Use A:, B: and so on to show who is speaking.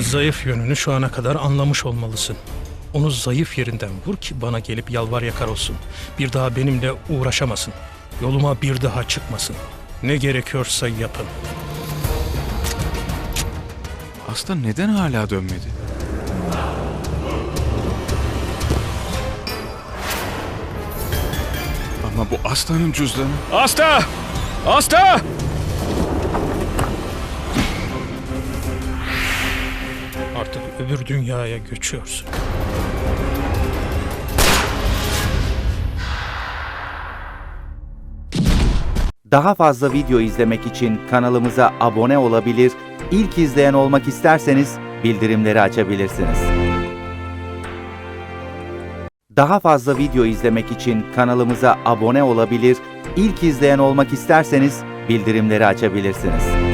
A: Zayıf yönünü şu ana kadar anlamış olmalısın. Onu zayıf yerinden vur ki bana gelip yalvar yakar olsun. Bir daha benimle uğraşamasın. Yoluma bir daha çıkmasın. Ne gerekiyorsa yapın.
B: Aslan neden hala dönmedi? Ama bu Aslan'ın cüzdanı. Asta! Asta!
A: Artık öbür dünyaya göçüyorsun.
C: Daha fazla video izlemek için kanalımıza abone olabilir, ilk izleyen olmak isterseniz bildirimleri açabilirsiniz. Daha fazla video izlemek için kanalımıza abone olabilir, ilk izleyen olmak isterseniz bildirimleri açabilirsiniz.